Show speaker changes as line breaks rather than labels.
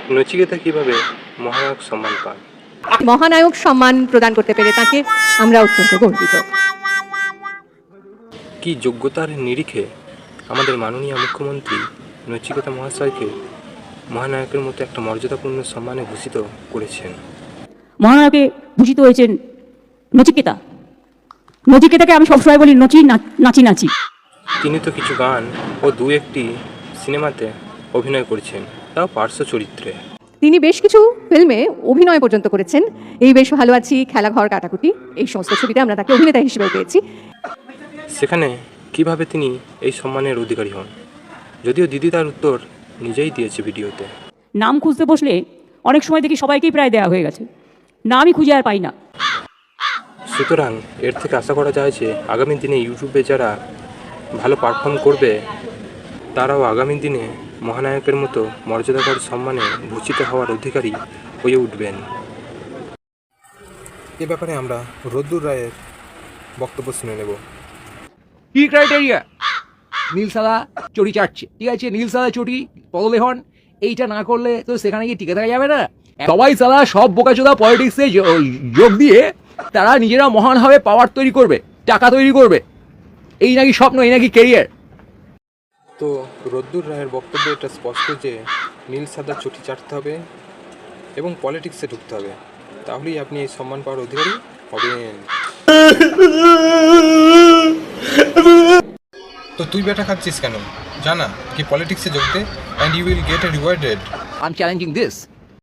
নচিকেতা কিভাবে মহানায়ক সম্মান পান?
মহানায়ক সম্মান প্রদান করতে পেরে তাকে আমরা অত্যন্ত গর্বিত।
কি যোগ্যতার নিরিখে আমাদের মাননীয় মুখ্যমন্ত্রী নচিকেতা মহাশয়কে মহানায়কের মতো একটা মর্যাদাপূর্ণ সম্মানে ভূষিত করেছেন?
মহানায়কে ভূষিত হয়েছেন নচিকেতা। নচিকেতাকে আমি সবসময় বলি নাচি নাচি।
তিনি তো কিছু গান ও দু একটি সিনেমাতে অভিনয় করেছেন, তাও পার্শ্ব চরিত্রে।
তিনি বেশ কিছু ফিল্মে অভিনয় পর্যন্ত করেছেন। এই বেশ ভালো আছি, খেলাঘর, কাটাকুটি, এই সমস্ত ছবিতে আমরা তাকে অভিনেতা হিসেবে পেয়েছি।
সেখানে কিভাবে তিনি এই সম্মানের অধিকারী হন? যদিও দিদি তার উত্তর নিজেই দিয়েছে ভিডিওতে।
নাম খুঁজতে বসলে অনেক সময় দেখি সবাইকেই প্রায় দেওয়া হয়ে গেছে, নামই খুঁজে আর পাই না।
সুতরাং এর থেকে আশা করা যায় যে আগামী দিনে ইউটিউবে যারা ভালো পারফর্ম করবে তারাও আগামী দিনে মহানায়কের মতো মর্যাদাকর সম্মানে ভূষিত হওয়ার অধিকারী হয়ে উঠবেন। এ ব্যাপারে আমরা রোদ্দুর রায়ের বক্তব্য শুনে নেব।
কি ক্রাইটেরিয়া? নীল সাদা চটি চাটছে, ঠিক আছে, নীল সাদা চটি পদলেহন, এইটা না করলে তো সেখানে গিয়ে টিকে থাকা যাবে না। সবাই সাদা সব বোকাচোদা পলিটিক্সে যোগ দিয়ে তারা নিজেরা মহান হবে, পাওয়ার তৈরি করবে, টাকা তৈরি করবে, এই নাকি স্বপ্ন, এই নাকি কেরিয়ার।
তো রোদ্দুর রায়ের বক্তব্য এটা স্পষ্ট যে নীল সাদা চটি চাটতে হবে এবং পলিটিক্সে ঢুকতে হবে, তাহলেই আপনি এই সম্মান পাওয়ার অধিকারী হবেন। তো তুই বেটা খাচ্ছিস কেন? জানা কি পলিটিক্সে যোগ দে, and you will get a rewarded.
I am challenging this.